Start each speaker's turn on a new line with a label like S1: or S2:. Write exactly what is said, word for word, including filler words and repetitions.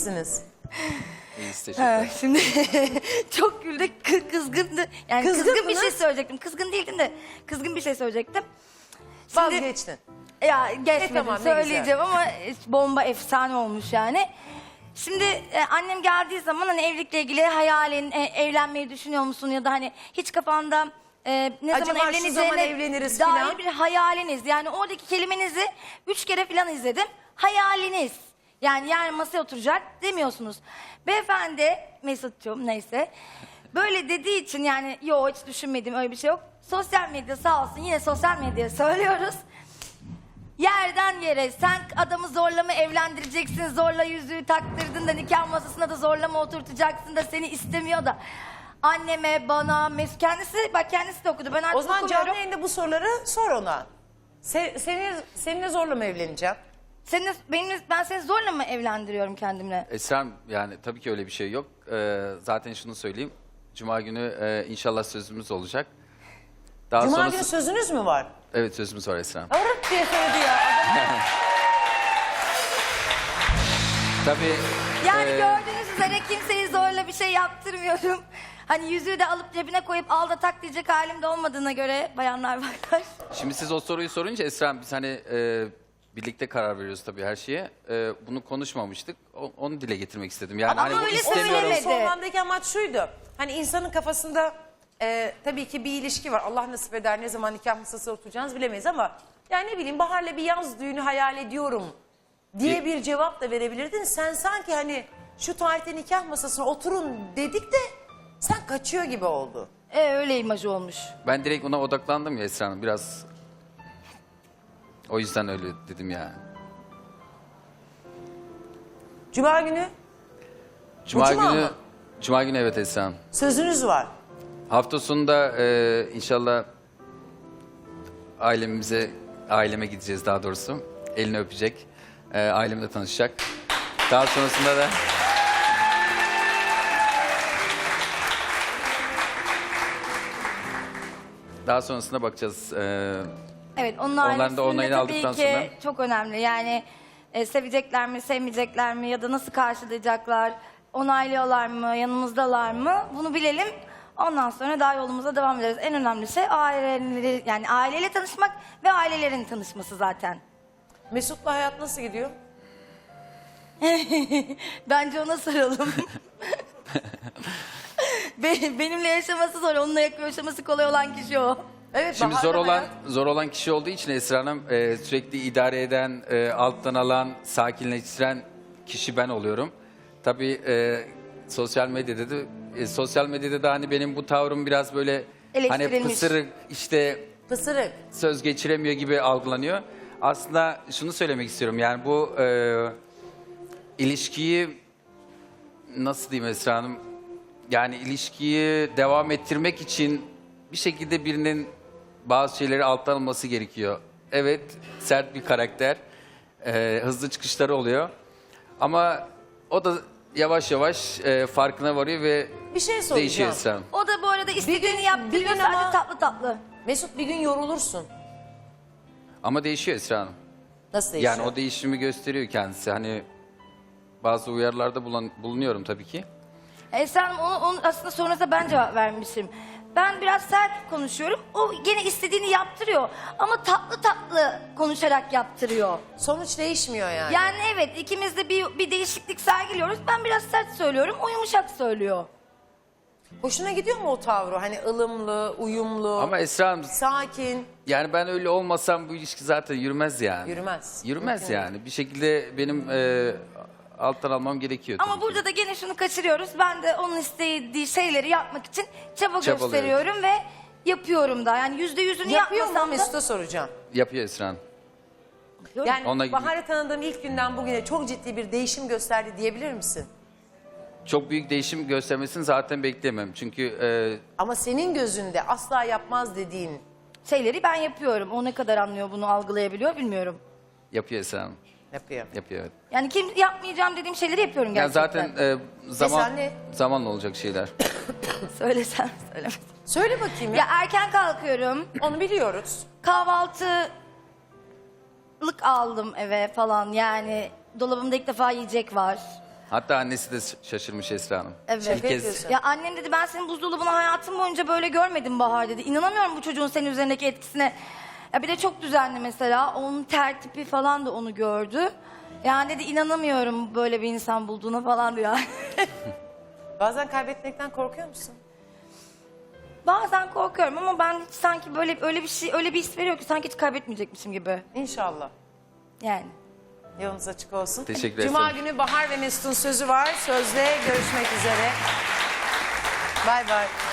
S1: misiniz?
S2: İyiyiz,
S3: Ha,
S2: teşekkürler.
S3: şimdi çok güldük, kı- kızgındı. Yani
S1: Kızgın
S3: kızgın bir
S1: mı?
S3: şey söyleyecektim. Kızgın değildim de kızgın bir şey söyleyecektim. Şimdi-
S1: Vazgeçtin.
S3: Ya geçmedim,
S1: E, tamam, ne
S3: söyleyeceğim ama bomba efsane olmuş yani. Şimdi e, annem geldiği zaman hani evlilikle ilgili hayalin, e, evlenmeyi düşünüyor musun ya da hani hiç kafanda e, ne
S1: Acaba
S3: zaman
S1: şu
S3: evleneceğine
S1: zaman evleniriz
S3: dair
S1: filan?
S3: bir hayaliniz. Yani oradaki kelimenizi üç kere falan izledim. Hayaliniz. Yani yarın masaya oturacak demiyorsunuz. Beyefendi, Mesut'cum neyse. Böyle dediği için yani yok hiç düşünmediğim öyle bir şey yok. Sosyal medya sağ olsun yine sosyal medyaya söylüyoruz. Yerden yere sen adamı zorla mı evlendireceksin, zorla yüzüğü taktırdın da nikah masasına da zorla mı oturtacaksın da seni istemiyor da. Anneme, bana, Mesut kendisi, bak kendisi de okudu. Ben artık
S1: O zaman
S3: okumuyorum.
S1: canlı yayında bu soruları sor ona. Se, seni, seninle zorla mı evleneceğim?
S3: Seninle, benimle, ben seni zorla mı evlendiriyorum kendimle?
S2: Esra'm, yani tabii ki öyle bir şey yok. Ee, zaten şunu söyleyeyim. Cuma günü e, inşallah sözümüz olacak. Daha
S1: Cuma
S2: sonrası...
S1: günü sözünüz mü var?
S2: Evet, sözümüz var Esra'm.
S1: Arık diye söyledi ya. Adam-
S2: Tabii.
S3: Yani
S2: e,
S3: gördüğünüz üzere kimseyi zorla bir şey yaptırmıyorum. Hani yüzüğü de alıp cebine koyup al da tak diyecek halim de olmadığına göre bayanlar varlar.
S2: Şimdi siz o soruyu sorunca Esra'm, biz hani e, birlikte karar veriyoruz tabii her şeye. E, bunu konuşmamıştık. O- onu dile getirmek istedim. Yani
S3: Ama
S2: hani bu
S3: öyle
S2: istemiyorum.
S3: söylemedi.
S1: Sormamdaki amaç şuydu. Hani insanın kafasında e, tabii ki bir ilişki var. Allah nasip eder, ne zaman nikah masasına oturacağınız bilemeyiz ama yani ne bileyim Bahar'la bir yaz düğünü hayal ediyorum diye bir cevap da verebilirdin. Sen sanki hani şu tarihte nikah masasına oturun dedik de sen kaçıyor gibi oldu.
S3: E öyle imajı olmuş.
S2: Ben direkt ona odaklandım ya Esra'm, biraz. O yüzden öyle dedim yani.
S1: Cuma günü
S2: Cuma
S1: cuma
S2: günü,
S1: mı?
S2: Cuma günü evet Esra'm.
S1: sözünüz var.
S2: Hafta sonunda e, inşallah ailemize, aileme gideceğiz daha doğrusu. Elini öpecek, e, ailemle tanışacak. Daha sonrasında da daha sonrasında bakacağız. E,
S3: Evet, onun
S2: Onların da
S3: ailesinin de
S2: onayını
S3: tabii
S2: aldıktan
S3: ki
S2: sonra-
S3: çok önemli. Yani e, sevecekler mi, sevmeyecekler mi ya da nasıl karşılayacaklar, onaylıyorlar mı, yanımızdalar mı bunu bilelim. Ondan sonra daha yolumuza devam ederiz. En önemli şey aileleri, yani aileyle tanışmak ve ailelerin tanışması zaten.
S1: Mesut'la hayat nasıl gidiyor?
S3: Bence ona soralım. Be- Benimle yaşaması zor, onunla yaşaması kolay olan kişi o.
S1: Evet,
S2: Şimdi
S1: Bahar'la
S2: zor olan
S1: hayat-
S2: zor olan kişi olduğu için Esra Hanım, e, sürekli idare eden, e, alttan alan, sakinleştiren kişi ben oluyorum. Tabii e, sosyal medyada da e, sosyal medyada da hani benim bu tavrım biraz böyle hani
S3: Eleştirilmiş.
S2: pısırık, işte
S1: Pısırık.
S2: söz geçiremiyor gibi algılanıyor. Aslında şunu söylemek istiyorum, yani bu e, ilişkiyi nasıl diyeyim Esra Hanım, yani ilişkiyi devam ettirmek için bir şekilde birinin bazı şeyleri alttan alması gerekiyor. Evet, sert bir karakter, e, hızlı çıkışları oluyor ama o da yavaş yavaş e, farkına varıyor ve
S1: Bir şey
S2: değişiyor
S1: soracağım.
S2: Esra Hanım.
S3: O da bu arada istediğini
S1: gün-
S3: yaptırıyor,
S1: bir gün
S3: sadece
S1: ama-
S3: tatlı tatlı.
S1: Mesut bir gün yorulursun.
S2: Ama değişiyor Esra Hanım.
S1: Nasıl değişiyor?
S2: Yani o değişimi gösteriyor kendisi. Hani bazı uyarılarda bulan- bulunuyorum tabii ki.
S3: Esra Hanım, onu, onu aslında sonrasında ben cevap vermişim. Ben biraz sert konuşuyorum. O gene istediğini yaptırıyor. Ama tatlı tatlı konuşarak yaptırıyor.
S1: Sonuç değişmiyor yani.
S3: Yani evet, ikimiz de bir, bir değişiklik sergiliyoruz. Ben biraz sert söylüyorum, o yumuşak söylüyor.
S1: Hoşuna gidiyor mu o tavrı? Hani ılımlı, uyumlu,
S2: Ama Esra Hanım,
S1: sakin.
S2: yani ben öyle olmasam bu ilişki zaten yürümez yani.
S1: Yürümez.
S2: Yürümez
S1: Mümkün
S2: yani. Bir şekilde benim e, alttan almam gerekiyor.
S3: Ama
S2: tabii ki.
S3: burada da gene şunu kaçırıyoruz. Ben de onun istediği şeyleri yapmak için çaba
S2: Çabalıyorum.
S3: gösteriyorum ve yapıyorum da. Yani yüzde yüzünü
S1: Yapıyor mu
S3: yapmasam da...
S1: Mesut'a soracağım.
S2: Yapıyor Esra Hanım.
S1: Yani
S2: Onunla ilgili-
S1: Bahar'ı tanıdığım ilk günden bugüne çok ciddi bir değişim gösterdi diyebilir misin?
S2: Çok büyük değişim göstermesini zaten bekleyemem. Çünkü e,
S1: Ama senin gözünde asla yapmaz dediğin
S3: Şeyleri ben yapıyorum. O ne kadar anlıyor, bunu algılayabiliyor bilmiyorum.
S2: yapıyor Esra Hanım.
S1: yapıyor.
S2: Yapıyor, evet.
S3: Yani kim yapmayacağım dediğim şeyleri yapıyorum
S2: Yani
S3: gerçekten.
S2: zaten e, zaman
S1: Mesela ne?
S2: zamanla olacak şeyler.
S3: Söylesem söylemesem.
S1: Söyle bakayım ya.
S3: Ya erken kalkıyorum.
S1: Onu biliyoruz.
S3: Kahvaltılık aldım eve falan. Yani dolabımda ilk defa yiyecek var.
S2: Hatta annesi de şaşırmış Esra Hanım.
S3: Evet.
S2: İlk kez
S1: diyorsun.
S3: Ya annem dedi ben senin buzdolabını hayatım boyunca böyle görmedim Bahar dedi. İnanamıyorum bu çocuğun senin üzerindeki etkisine. Ya bir de çok düzenli mesela. Onun tertipi falan da onu gördü. Yani dedi inanamıyorum böyle bir insan bulduğuna falan diyor.
S1: Bazen kaybetmekten korkuyor musun?
S3: Bazen korkuyorum ama ben hiç sanki böyle öyle bir şey öyle bir his veriyor ki sanki hiç kaybetmeyecekmişim gibi.
S1: İnşallah.
S3: Yani.
S1: Yolunuz açık olsun.
S2: Teşekkür
S1: Cuma
S2: ederim.
S1: günü Bahar ve Mesut'un sözü var. Sözde görüşmek üzere. Bay bay.